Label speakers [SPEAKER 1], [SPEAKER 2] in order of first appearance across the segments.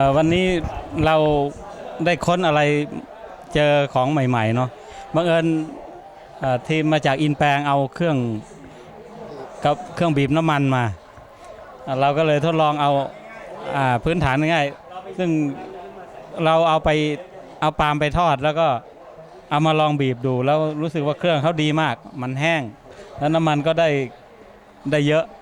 [SPEAKER 1] วันนี้เราได้ค้นอะไรเจอของใหม่ๆเนาะบังเอิญทีมมาจากอินแปลงเอาเครื่องบีบน้ำมันมาเราก็เลยทดลองเอาพื้นฐานง่ายๆซึ่งเราเอาปาล์มไปทอดแล้วก็เอามาลองบีบดูแล้วรู้สึกว่าเครื่องเขาดีมากมันแห้งแล้วน้ำมันก็ได้เยอะ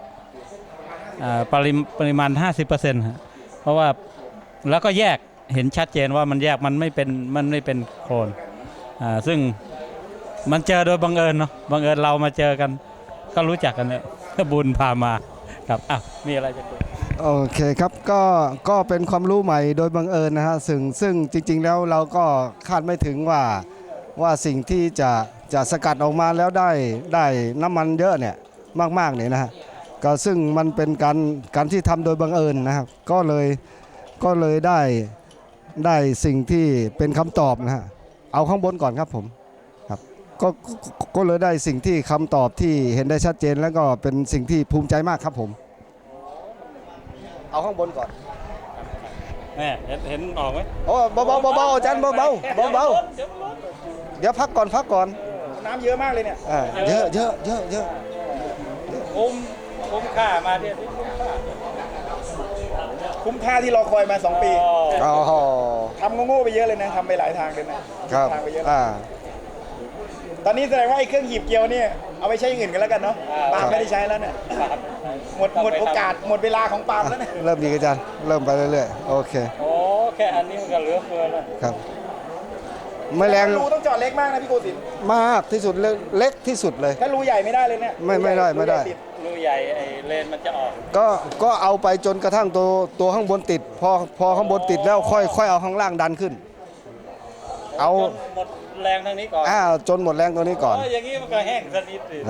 [SPEAKER 1] ปริมาณ 50%เพราะว่าแล้วก็แยกเห็นชัดเจนว่ามันแยกมันไม่เป็นโคลนซึ่งมันเจอโดยบังเอิญเนาะบังเอิญเรามาเจอกันก็รู้จักกันเนี่ยบุญพามาครับมีอะไรจะคุย
[SPEAKER 2] โอเคครับก็เป็นความรู้ใหม่โดยบังเอิญนะฮะซึ่งจริงๆแล้วเราก็คาดไม่ถึงว่าสิ่งที่จะสกัดออกมาแล้วได้น้ำมันเยอะเนี่ยมากๆเนี่ยนะฮะก็ซึ่งมันเป็นการที่ทำโดยบังเอิญนะครับก็เลยได้สิ่งที่เป็นคำตอบนะฮะเอาข้างบนก่อนครับผมครับก็เลยได้สิ่งที่คำตอบที่เห็นได้ชัดเจนแล้วก็เป็นสิ่งที่ภูมิใจมากครับผมเอาข้างบนก่อน
[SPEAKER 1] แม่เห็นออกไหม
[SPEAKER 2] โอ้เบาอาจารย์เบาเดี๋ยวพักก่อน
[SPEAKER 3] น้ำเยอะมากเลยเนี่ย
[SPEAKER 2] เยอะ
[SPEAKER 1] คุ้มค่ามาที่
[SPEAKER 3] คุ้มค่าที่รอคอยมา2 ปี
[SPEAKER 2] อ๋อ
[SPEAKER 3] ทำโง่ๆไปเยอะเลยนะทำไปหลายทางเลยนะครับทางไปเยอะตอนนี้แสดงว่าไอ้เครื่องหีบเกลียวนี่เอาไปใช้อย่างอื่นกันแล้วกันเนาะปาล์มไม่ได้ใช้แล้วเนี่ยหมดโอกาสหมดเวลาของปาล์มแล้วเนี่ย
[SPEAKER 2] เริ่มดีอาจารย์เริ่มไปเรื่อยๆโอเค
[SPEAKER 1] โอ้แค่อันนี้มันก็เหลือเฟือแล้ว
[SPEAKER 2] ครับไม่แรง
[SPEAKER 3] รูต้องเจาะเล็กมากนะพี่โกศินทร์
[SPEAKER 2] มากที่สุดเล็กที่สุดเลย
[SPEAKER 3] ถ้ารูใหญ่ไม่ได้เลยเนี่ย
[SPEAKER 2] ไม่ได้
[SPEAKER 1] รูใหญ่ไอ้เลนมันจะออก
[SPEAKER 2] ก็เอาไปจนกระทั่งตัวข้างบนติดพอข้างบนติดแล้วค่อยเอาข้างล่างดันขึ้นเอา
[SPEAKER 1] หมดแรงทางนี้ก่อน
[SPEAKER 2] จนหมดแรงตัวนี้ก่อน
[SPEAKER 1] อย่างนี้มันก็แห้งสนิทสิ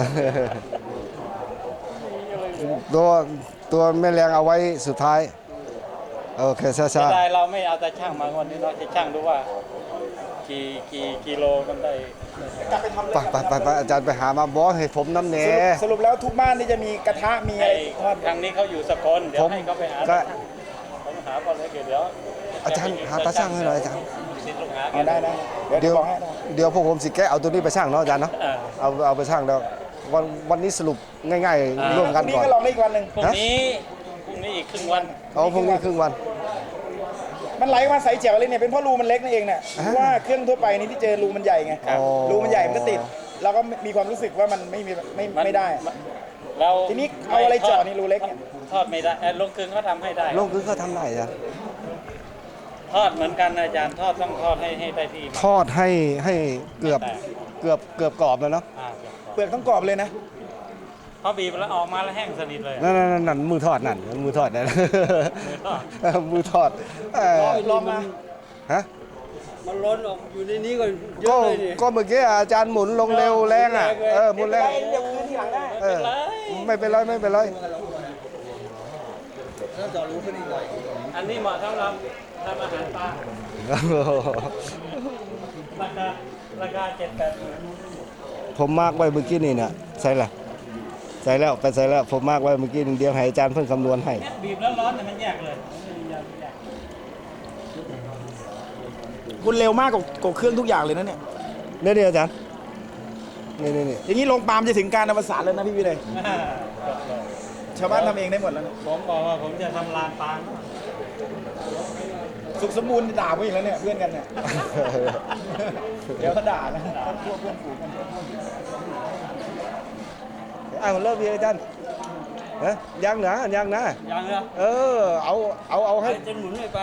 [SPEAKER 2] ตัวแม่แรงเอาไว้สุดท้ายโอเคช้า
[SPEAKER 1] ๆได้เราไม่เอาแต่ช่างมาวันนี้เราจะช่างดูว่ากี่กิโลมันได้
[SPEAKER 3] กลับไปทำ
[SPEAKER 2] ไปอาจารย์ไปหามาบอสให้ผมน้ำเน
[SPEAKER 3] สรุปแล้วทุกบ้านนี่จะมีกระทะมีอะไร
[SPEAKER 1] ทางนี้เขาอยู่สกลเดี๋ยวให้เขาไปหาผมหาก่อนเลยเดี๋ยว
[SPEAKER 2] อาจารย์หาตาช่างให้หน่อยอาจารย์
[SPEAKER 3] ได้
[SPEAKER 2] เดี๋ยวพวกผมสิแกเอาตัวนี้ไปช่างเนาะอาจารย์เนาะเอาไปช่างแล้ววันนี้สรุปง่ายๆร่วมกันก่อน
[SPEAKER 3] พรุ่งนี้ก็ลองได้อีกวันหนึ่ง
[SPEAKER 1] พรุ่งนี้อีกครึ่งวัน
[SPEAKER 2] พรุ่งนี้ครึ่งวัน
[SPEAKER 3] มันไหลมาใส่แจ๋วเลยเนี่ยเป็นเพราะรูมันเล็กนั่นเองเนี่ยว่าเครื่องทั่วไปนี่ที่เจอรูมันใหญ่ไงรูมันใหญ่มันก็ติดเราก็มีความรู้สึกว่ามันไม่ได้ทีนี้เอาอะไรเจาะนี่รูเล็กเนี่ย
[SPEAKER 1] ทอดไม่ได้ลงกึ่งเขาทำให้ได้
[SPEAKER 2] ลงกึ่งเขาทำได้จ้ะ
[SPEAKER 1] ทอดเหมือนกันอาจารย์ต้องทอดให้ได้ที่
[SPEAKER 2] ทอดให้เกือบกรอบแล้วเนาะ
[SPEAKER 3] เปลือกต้องกรอบเลยนะ
[SPEAKER 1] พอบีบแล้วออกมาแล้วแห้งสนิทเลย
[SPEAKER 2] นั่นมือทอดมือทอด
[SPEAKER 3] ลองมา
[SPEAKER 2] ฮะ
[SPEAKER 4] มันล้นออกอยู่ในนี้ก็เยอะเลย
[SPEAKER 2] ก็เมื่อกี้อาจารย์หมุนลงเร็วแรงหมุนแรง
[SPEAKER 3] เดี๋ยวคืนทีหลังได้
[SPEAKER 2] ไม่เป็นไร
[SPEAKER 4] แล้วจอรู้ขึ้นอีกหน่อย
[SPEAKER 1] อันนี้เหมาะสำหรับทำอาหารปลาราคา7-8
[SPEAKER 2] ผมมากไว้เมื่อกี้นี่เนี่ยใส่แล้วผมมากไว้เมื่อกี้เดียวให้อาจารย์เพิ่งคำนวณให้
[SPEAKER 1] บีบแล้วร้อนแต่มันแยกเลย
[SPEAKER 3] คุณเร็วมากกว่าเครื่องทุกอย่างเลยนะเนี่ย
[SPEAKER 2] นี่อาจารย์นี่
[SPEAKER 3] อย่างนี้ลงปาล์มจะถึงการอวสานแล้วนะพี่เลยชาวบ้านทำเองได้หมดแล้ว
[SPEAKER 1] ผมบอกว่าผมจะทำลานปาล์ม
[SPEAKER 3] สุขสมบูรณ์ด่าผมอีกแล้วเนี่ยเพื่อนกันเนี่ยเดี๋ยวเขาด่านะพวกเพื่อนฝูงกัน
[SPEAKER 2] เริ่มดีอาจารย์ยังนะเอาให้
[SPEAKER 4] จนหมุนไป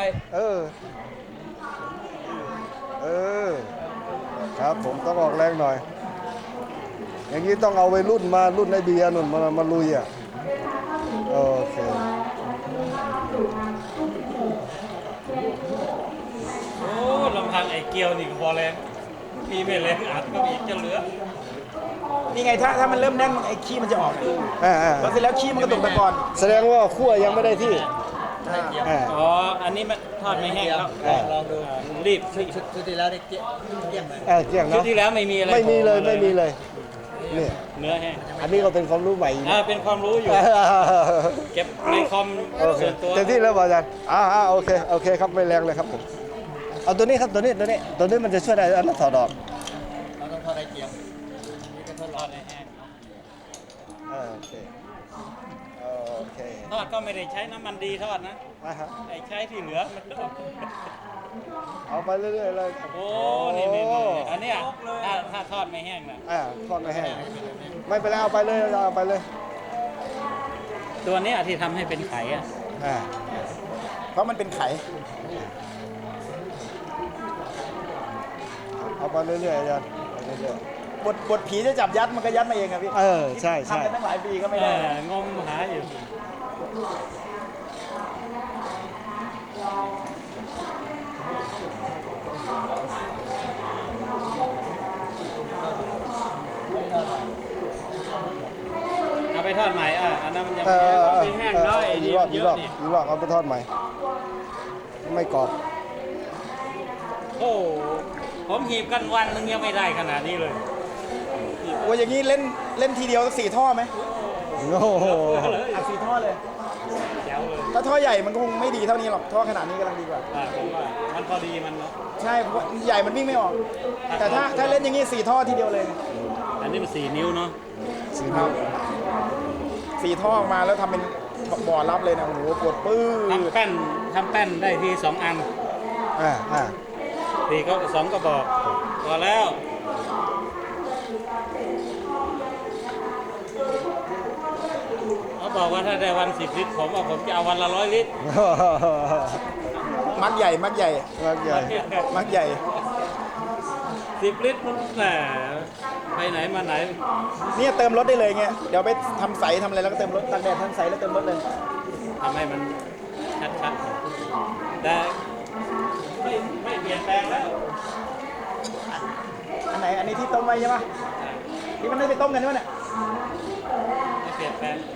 [SPEAKER 2] ครับผมต้องออกแรงหน่อยอย่างนี้ต้องเอาไปรุ่นในเบียร์นุ่นมาลุยโอเค
[SPEAKER 1] โอ้ลำพังไอ้เกียวนี่ก็พอแรงมีไม่แรงอัดก็มีจะเหลือ
[SPEAKER 3] นี่ไงถ้ามันเริ่มแน่นไอ้ขี้มันจะออกแล้วเสร็จแล้วขี้มันก็ตกตะกอน
[SPEAKER 2] แสดงว่าขั้วยังไม่ได้ที่
[SPEAKER 1] อันนี้มันทอดไม่แห้งแล้ว
[SPEAKER 4] ลองดู
[SPEAKER 1] รีบ
[SPEAKER 4] ชุดที่แล้วได้เกี้ยงไหม
[SPEAKER 2] เกี้ยงเนาะ
[SPEAKER 1] ชุดที่แล้วไม่มีอะไร
[SPEAKER 2] ไม่มีเลยนี่
[SPEAKER 1] เนื้อแห้ง
[SPEAKER 2] อันนี้ก็เป็นความรู้ใหม่
[SPEAKER 1] เป็นความรู้อยู่ เก็บในคอม
[SPEAKER 2] โอเค
[SPEAKER 1] ส่วนตัว
[SPEAKER 2] เต็มที่แล้วอาจารย์โอเคครับไม่แรงเลยครับผมเอาตัวนี้ครับตัวนี้มันจะช่วยได้อันนั้นถอดออก
[SPEAKER 4] เราต้องทอดไอเจียมนี่ก็ทดลองในแห้ง
[SPEAKER 2] โอเค
[SPEAKER 1] ทอดก็ไม่ได้ใช้น้ำมันดีทอดนะ
[SPEAKER 2] ฮะ
[SPEAKER 1] ไอ้ใช้ที่เหลือมันก็
[SPEAKER 2] เอาไปเรื่อยๆเลย
[SPEAKER 1] โอ้นี่อันเนี้ยถ้าทอดไม่แห้งนะ
[SPEAKER 2] ทอดไม่แห้งไม่เป็นไรเอาไปเลยเอาไปเลย
[SPEAKER 1] ตัวเนี้ยที่ทำให้เป็นไข่อะ
[SPEAKER 3] เพราะมันเป็นไข่
[SPEAKER 2] เอาไปเรื่อยๆอาจารย์ไปเรื่อย
[SPEAKER 3] บทผีจะจับยัดมันก็ยัดมาเองครับพี่
[SPEAKER 2] ใช่
[SPEAKER 3] ทำกันตั้งหลายปีก็ไม่ได้
[SPEAKER 1] งมหาอยู่ เอาไปทอดใหม่อันนั้นมันยังไม่แห้งเนาะไอ้นี่เยอะนี่
[SPEAKER 2] อีกรอบเอาไปทอดใหม่ไม่กรอบ
[SPEAKER 1] โอ้ผมหีบกันวันนึงยังไม่ได้ขนาดนี้เลย
[SPEAKER 3] โอ้ยอย่างนี้เล่นทีเดียวสัก4 ท่อไหม
[SPEAKER 2] โอ้โห
[SPEAKER 3] อัด4 ท่อเลย
[SPEAKER 1] แจ๋วเลย
[SPEAKER 3] ถ้าท่อใหญ่มันก็คงไม่ดีเท่านี้หรอกท่อขนาดนี้กำลังดีกว่า
[SPEAKER 1] ผมว่ามันพอดีมันเนาะ
[SPEAKER 3] ใช่เพราะใหญ่มันวิ่งไม่ออก แต่ถ้าเล่นอย่างนี้4 ท่อทีเดียวเลย
[SPEAKER 1] อันนี้มัน4 นิ้วเนาะ
[SPEAKER 3] ครับ4 ท่อออกมาแล้วทำเป็นบ่อรับเลยนะโอ้โหปวดปื้อ
[SPEAKER 1] ทำแป้นได้ที2 อัน ทีก็2 กระบอกพอแล้วเขาบอกว่าถ้าได้วัน10 ลิตรผมว่าผมจะเอาวันละ100 ลิตร
[SPEAKER 3] มัดใหญ่
[SPEAKER 2] มากใหญ่
[SPEAKER 3] มัดใหญ่
[SPEAKER 1] 10 ลิตรมันแหมไปไหนมาไหน
[SPEAKER 3] เนี่ยเติมรถได้เลยเงี้ยเดี๋ยวไปทำใสทำอะไรแล้วก็เติมรถตากแดดทำใสแล้วเติมรถเลย
[SPEAKER 1] ทำให้มันชัดๆแต่ไม่เปลี่ยนแปลงแล้ว
[SPEAKER 3] อันไหนอันนี้ที่ต้มไว้ใช่ปะที่มันได้ไปต้มกันใช่ไหมเนี่ย
[SPEAKER 1] ไม่เปลี่ยนแปลง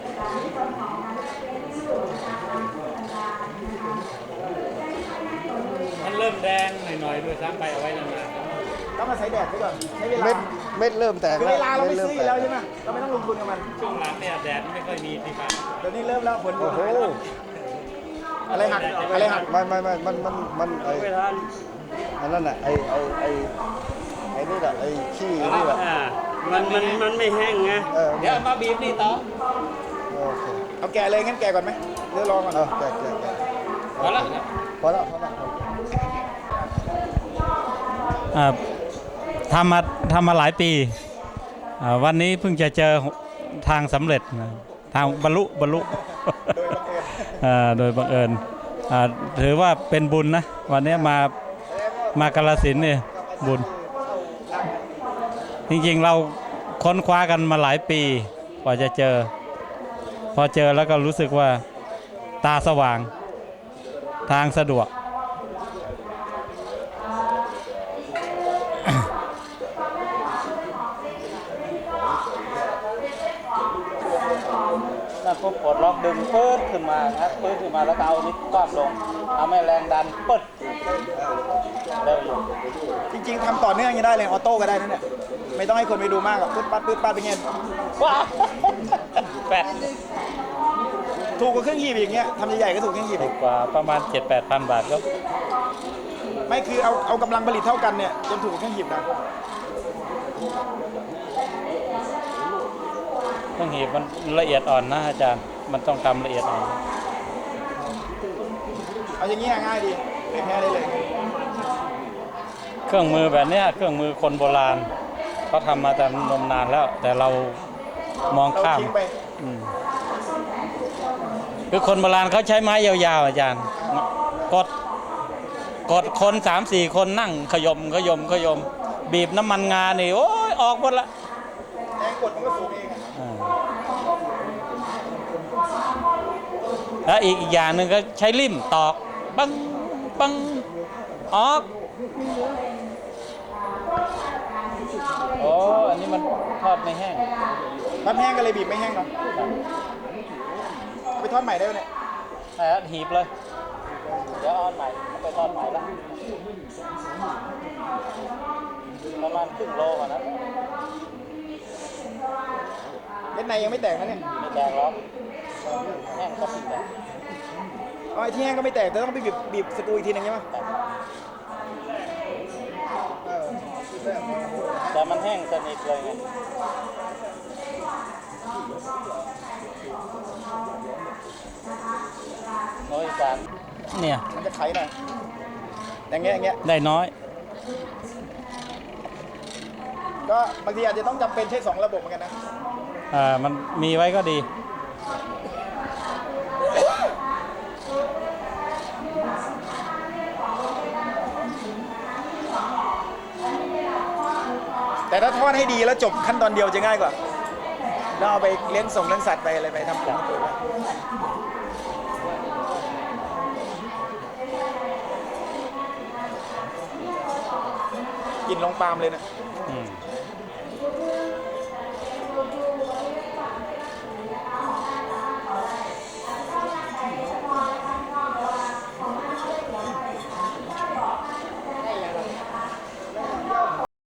[SPEAKER 1] มันเริ่มแดงหน่อยๆด้วยซ้ำไปเอาไว้นาน
[SPEAKER 3] ต้องมาใช้แดดไปก่อนใช้เวลา
[SPEAKER 2] เม็ดเริ่มแตก
[SPEAKER 3] คือเวลาเราไม่ซื้ออยู่แล้วใช่ไหมเราไม่ต้องลงทุนกับมัน
[SPEAKER 1] ๆช่วงหลังเนี่ยแดดไม่ค่อยมีที่บ้าน
[SPEAKER 3] เดี๋ยวนี้เริ่มแล้วผล
[SPEAKER 2] โอ้โห
[SPEAKER 3] อะไรหักอะไรหัก
[SPEAKER 2] ไม่มันไอ้
[SPEAKER 4] ไม่ทัน
[SPEAKER 2] อันนั้นน่ะไอ้นี่แหละไอ้ขี้นี่แหละ
[SPEAKER 4] มันไม่แห้งไง
[SPEAKER 1] เดี๋ยวเอามาบีบนี่ต่อ
[SPEAKER 2] โอเค
[SPEAKER 3] เอาแกะเลยงั้นแกะก่อนไหมเดี๋ยวลองก่อน
[SPEAKER 2] แกะ
[SPEAKER 1] พอแล้ว
[SPEAKER 2] พอแล้ว
[SPEAKER 1] ทำมาหลายปีวันนี้เพิ่งจะเจอทางสำเร็จนะทางบรรลุ โดยบังเอิญถือว่าเป็นบุญนะวันนี้มากาฬสินธุ์เนี่ยบุญ จริงๆเราค้นคว้ากันมาหลายปีกว่าจะเจอ พอเจอแล้วก็รู้สึกว่าตาสว่างทางสะดวกแล้วก็ปลดล็อกดึงปื๊ดขึ้นมาครับปื๊ดขึ้นมาแล้วก็เอานิ้วก้อมลงเอาแม่แรงดันปึ๊ดเร็วอยู่
[SPEAKER 3] จริงๆทำต่อเนื่องยังได้เลยออโต้ก็ได้นั่นเนี่ยไม่ต้องให้คนไปดูมากหรอกปึ๊ดปัดเป็นไง
[SPEAKER 1] ว้าแปด
[SPEAKER 3] ถูกกว่าเครื่องหีบอย่างเงี้ยทำใหญ่ๆก็ถูกเครื่องหีบ
[SPEAKER 1] ถูกกว่าประมาณ 7-8 พันบาทก็
[SPEAKER 3] ไม่คือเอากำลังผลิตเท่ากันเนี่ยจนถูกกว่าเครื่องหีบนะ
[SPEAKER 1] เครื่องหีบมันละเอียดอ่อนนะอาจารย์มันต้องทำละเอียดอ่อน
[SPEAKER 3] เอาอย่างเงี้ยง่ายดีแค่ได้เลย
[SPEAKER 1] เครื่องมือแบบเนี้ยเครื่องมือคนโบราณเขาทำมาแต่นมนานแล้ว แต่เรามอง
[SPEAKER 3] เรา
[SPEAKER 1] ข้าม
[SPEAKER 3] ทิ้งไป
[SPEAKER 1] คือคนโบราณเขาใช้ไม้ยาวๆอาจารย์กดคน 3-4 คนนั่งขยมบีบน้ำมันงานี่โอ้ยออกหมดละ
[SPEAKER 3] แรงกดมันก็สูงเองอะ
[SPEAKER 1] แล้วอีกอย่างหนึ่งก็ใช้ลิ่มตอกปังออกโอ้อันนี้มันทอดไม่แห้ง
[SPEAKER 3] ทอดแห้งก็เลยบีบไม่แห้งเนาะไปทอดใหม่ได้ไหมเนี่ย
[SPEAKER 1] แต่หีบเลยเดี๋ยวเอาอันใหม่ไปทอดใหม่ละประมาณครึ่งโลกว่านั้น
[SPEAKER 3] ในยังไม่แตกนะเนี่ย
[SPEAKER 4] ไม่แตกหรอกแห้งก็ปิดแตก
[SPEAKER 3] อ๋อไอ้ที่แห้งก็ไม่แตกแต่ต้องไปบีบสกรูอีกทีนึงใช่ไหม
[SPEAKER 4] แต่มันแห้งสนิทเลยไงโอ้ยสาร
[SPEAKER 1] เนี่ย
[SPEAKER 3] มันจะไขหน่อยอย่างเงี้ย
[SPEAKER 1] ได้น้อย
[SPEAKER 3] ก็บางทีอาจจะต้องจำเป็นใช้2ระบบเหมือนกันนะ
[SPEAKER 1] มันมีไว้ก็ดี
[SPEAKER 3] แต่ถ้าทอดให้ดีแล้วจบขั้นตอนเดียวจะง่ายกว่าแล้วเอาไปเลี้ยงส่งเลี้ยงสัตว์ไปอะไรไปทำปุ๋ยกินลงปาล์มเลยนะ
[SPEAKER 1] อืม